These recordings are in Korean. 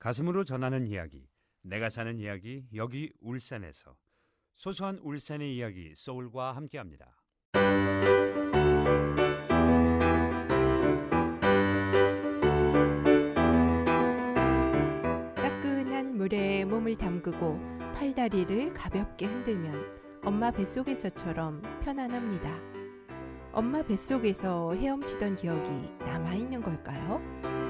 가슴으로 전하는 이야기, 내가 사는 이야기, 여기 울산에서 소소한 울산의 이야기 소울과 함께합니다. 따끈한 물에 몸을 담그고 팔다리를 가볍게 흔들면 엄마 뱃속에서처럼 편안합니다. 엄마 뱃속에서 헤엄치던 기억이 남아있는 걸까요?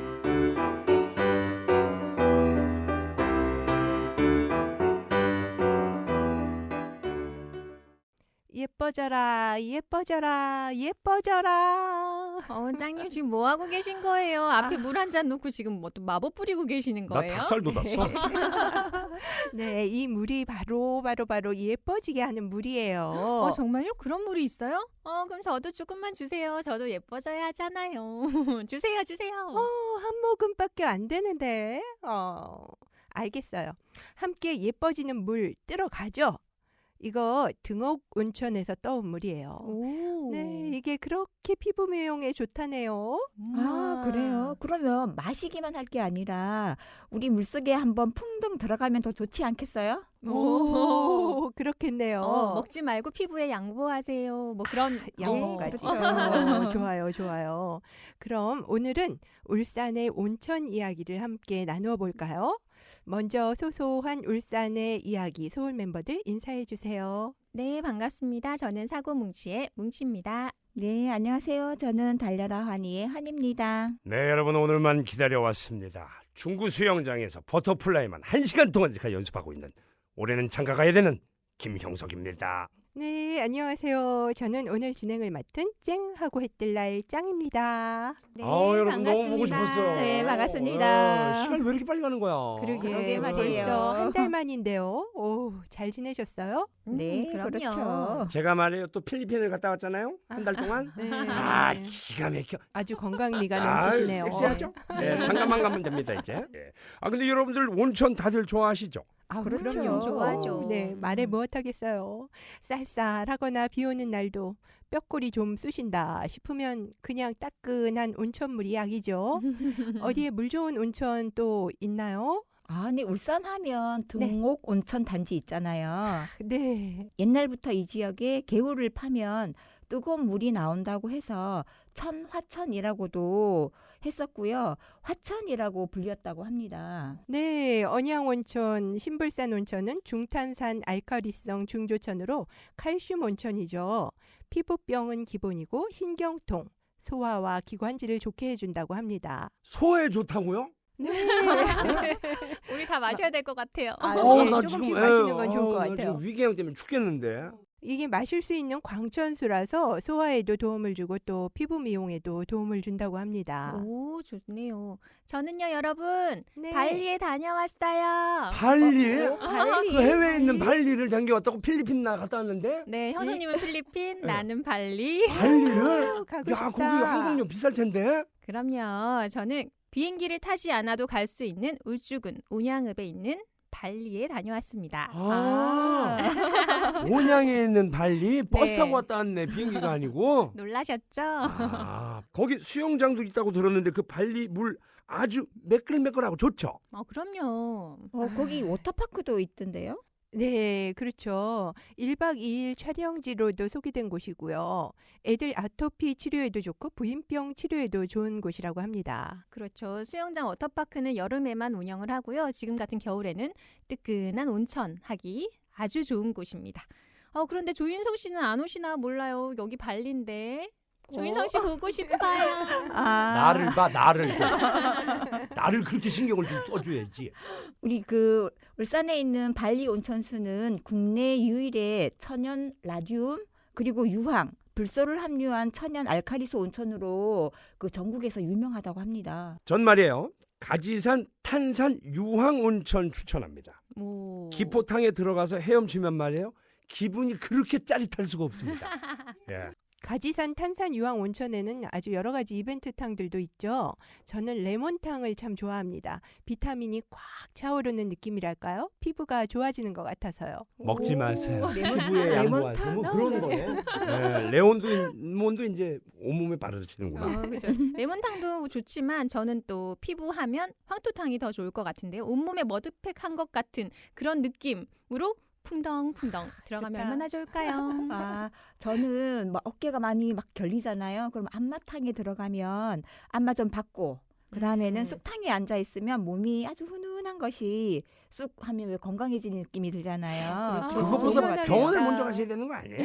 예뻐져라, 예뻐져라, 예뻐져라. 짱님 지금 뭐 하고 계신 거예요? 앞에 물 한 잔 놓고 지금 뭐 또 마법 부리고 계시는 나 거예요? 닭살 돋았어. 네, 이 물이 바로 예뻐지게 하는 물이에요. 정말요? 그런 물이 있어요? 그럼 저도 조금만 주세요. 저도 예뻐져야 하잖아요. 주세요. 한 모금밖에 안 되는데. 알겠어요. 함께 예뻐지는 물 뜨러가죠? 이거 등옥 온천에서 떠온 물이에요. 오. 네, 이게 그렇게 피부 미용에 좋다네요. 아, 그래요? 그러면 마시기만 할 게 아니라 우리 물속에 한번 풍덩 들어가면 더 좋지 않겠어요? 오, 그렇겠네요. 먹지 말고 피부에 양보하세요. 뭐 그런 양보까지. 그렇죠. 좋아요. 그럼 오늘은 울산의 온천 이야기를 함께 나누어 볼까요? 먼저 소소한 울산의 이야기 소울 멤버들 인사해 주세요. 네, 반갑습니다. 저는 사고뭉치의 뭉치입니다. 네, 안녕하세요. 저는 달려라 환희의 환입니다. 네, 여러분 오늘만 기다려왔습니다. 중구 수영장에서 버터플라이만 1시간 동안 이렇게 연습하고 있는 올해는 장가 가야 되는 김형석입니다. 네, 안녕하세요. 저는 오늘 진행을 맡은 쨍하고 해뜰날 짱입니다. 네, 여러분 너무 보고 반갑습니다. 싶었어. 네, 반갑습니다. 시간이 왜 이렇게 빨리 가는 거야? 그러게 말이에요. 벌써 한 달 만인데요. 오, 잘 지내셨어요? 네, 그럼요. 그렇죠. 제가 말이에요. 또 필리핀을 갔다 왔잖아요. 한 달 동안. 네. 기가 막혀. 아주 건강미가 넘치시네요. 섹시하죠? 네, 잠깐만 가면 됩니다 이제. 네. 근데 여러분들 온천 다들 좋아하시죠? 그렇죠. 그럼요. 좋아하죠. 네, 말해 무엇하겠어요. 쌀쌀하거나 비 오는 날도 뼈골이 좀 쑤신다 싶으면 그냥 따끈한 온천물이 약이죠. 어디에 물 좋은 온천 또 있나요? 아니, 울산 하면 등옥 온천 단지 있잖아요. 네. 옛날부터 이 지역에 개울을 파면 뜨거운 물이 나온다고 해서 천화천이라고도 했었고요. 화천이라고 불렸다고 합니다. 네, 언양온천, 신불산 온천은 중탄산 알칼리성 중조천으로 칼슘 온천이죠. 피부병은 기본이고 신경통, 소화와 기관지를 좋게 해준다고 합니다. 소에 좋다고요? 네. 우리 다 마셔야 될 것 같아요. 예, 조금씩 마시는 건 좋을 것 나 같아요. 지금 위궤양 때문에 죽겠는데. 이게 마실 수 있는 광천수라서 소화에도 도움을 주고 또 피부 미용에도 도움을 준다고 합니다. 오, 좋네요. 저는요, 여러분, 네. 발리에 다녀왔어요. 발리? 발리. 그 해외에 있는 발리를 당겨왔다고 필리핀 나 갔다 왔는데? 네, 형수님은 필리핀, 네. 나는 발리. 발리를? 가고 야, 싶다. 거기 항공료 비쌀 텐데? 그럼요. 저는 비행기를 타지 않아도 갈 수 있는 울주군 온양읍에 있는 발리에 다녀왔습니다. 온양에 있는 발리? 버스 네. 타고 왔다 왔네. 비행기가 아니고. 놀라셨죠? 거기 수영장도 있다고 들었는데 그 발리 물 아주 매끌매끌하고 좋죠? 그럼요. 거기 워터파크도 있던데요? 네, 그렇죠. 1박 2일 촬영지로도 소개된 곳이고요. 애들 아토피 치료에도 좋고 부인병 치료에도 좋은 곳이라고 합니다. 그렇죠. 수영장 워터파크는 여름에만 운영을 하고요. 지금 같은 겨울에는 뜨끈한 온천 하기 아주 좋은 곳입니다. 그런데 조윤성 씨는 안 오시나 몰라요. 여기 발리인데. 조윤성 씨 보고 싶어요. 나를 봐, 나를. 나를 그렇게 신경을 좀 써줘야지. 우리 울산에 있는 발리 온천수는 국내 유일의 천연 라듐 그리고 유황, 불소를 함유한 천연 알칼리수 온천으로 전국에서 유명하다고 합니다. 전 말이에요. 가지산 탄산 유황 온천 추천합니다. 오. 기포탕에 들어가서 헤엄치면 말이에요. 기분이 그렇게 짜릿할 수가 없습니다. 예. 가지산 탄산 유황 온천에는 아주 여러 가지 이벤트 탕들도 있죠. 저는 레몬탕을 참 좋아합니다. 비타민이 꽉 차오르는 느낌이랄까요? 피부가 좋아지는 것 같아서요. 먹지 오. 마세요. 레몬- 피부에 레몬탕? 양보하세요. 뭐 네. 그런 거예요. 네, 레몬도 이제 온몸에 바르시는구나. 그죠. 레몬탕도 좋지만 저는 또 피부하면 황토탕이 더 좋을 것 같은데요. 온몸에 머드팩 한 것 같은 그런 느낌으로 풍덩풍덩 들어가면 좋다. 얼마나 좋을까요? 아, 저는 막 어깨가 많이 막 결리잖아요. 그럼 안마탕에 들어가면 안마 좀 받고 그다음에는 쑥탕에 앉아 있으면 몸이 아주 훈훈한 것이 쑥 하면 왜 건강해지는 느낌이 들잖아요. 그렇죠. 그래서 그것보다 좋은 것 같아요. 병원을 시원하겠다. 먼저 가셔야 되는 거 아니에요?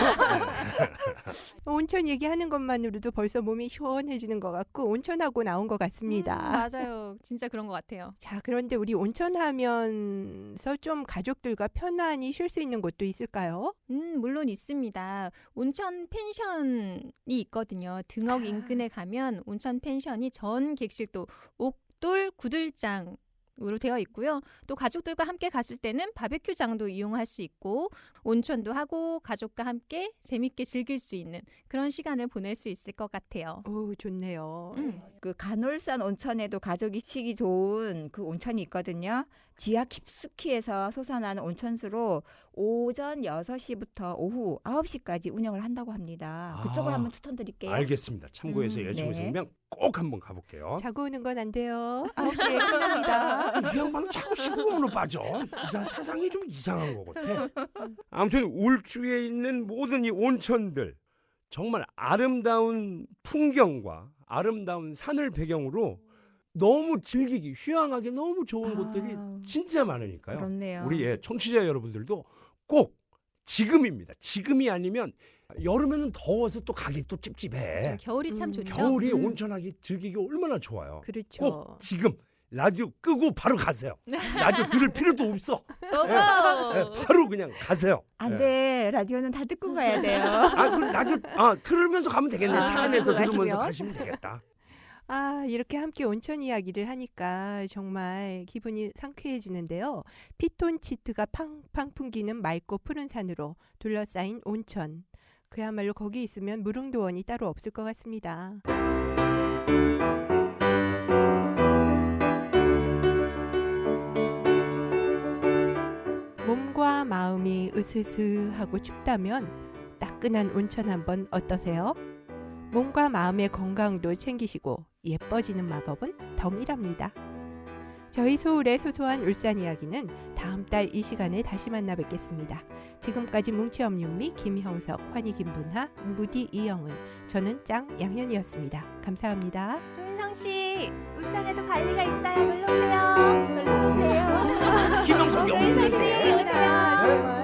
온천 얘기하는 것만으로도 벌써 몸이 시원해지는 것 같고 온천하고 나온 것 같습니다. 맞아요. 진짜 그런 것 같아요. 자, 그런데 우리 온천하면서 좀 가족들과 편안히 쉴 수 있는 곳도 있을까요? 물론 있습니다. 온천 펜션이 있거든요. 등억 아. 인근에 가면 온천 펜션이 전 객실도 옥돌 구들장 으로 되어 있고요. 또 가족들과 함께 갔을 때는 바베큐장도 이용할 수 있고 온천도 하고 가족과 함께 재밌게 즐길 수 있는 그런 시간을 보낼 수 있을 것 같아요. 오, 좋네요. 그 간월산 온천에도 가족이 치기 좋은 그 온천이 있거든요. 지하 깊숙이에서 솟아나는 온천수로 오전 6시부터 오후 9시까지 운영을 한다고 합니다. 그쪽을 아, 한번 추천드릴게요. 알겠습니다. 참고해서 여자친구 네. 생기면 꼭 한번 가볼게요. 자고 오는 건 안 돼요. 9시에 끝납니다. 이 양반은 자꾸 시부금으로 빠져. 사상이 좀 이상한 것 같아. 아무튼 울주에 있는 모든 이 온천들 정말 아름다운 풍경과 아름다운 산을 배경으로 너무 즐기기 휴양하기 너무 좋은 곳들이 진짜 많으니까요. 그렇네요. 우리 청취자 여러분들도 꼭 지금입니다. 지금이 아니면 여름에는 더워서 또 가기 또 찝찝해. 겨울이 참 좋죠. 겨울이 온천하기 즐기기 얼마나 좋아요. 그렇죠. 꼭 지금 라디오 끄고 바로 가세요. 라디오 들을 필요도 없어. 고고! 네, 바로 그냥 가세요. 안 네. 돼. 라디오는 다 듣고 가야 돼요. 그 라디오 틀으면서 가면 되겠네. 차 안에서 듣고 들으면서 가시면. 가시면 되겠다. 아, 이렇게 함께 온천 이야기를 하니까 정말 기분이 상쾌해지는데요. 피톤치드가 팡팡 풍기는 맑고 푸른 산으로 둘러싸인 온천. 그야말로 거기 있으면 무릉도원이 따로 없을 것 같습니다. 몸과 마음이 으스스하고 춥다면 따끈한 온천 한번 어떠세요? 몸과 마음의 건강도 챙기시고 예뻐지는 마법은 덤이랍니다. 저희 소울의 소소한 울산 이야기는 다음 달 이 시간에 다시 만나 뵙겠습니다. 지금까지 뭉치엄윤미 김형석, 환희 김분하, 무디 이영은, 저는 짱 양현이었습니다. 감사합니다. 조인성 씨, 울산에도 발리가 있어요. 놀러 오세요. 놀러 오세요. 김영석 조인성 씨, 영웅이네. 오세요. 정말.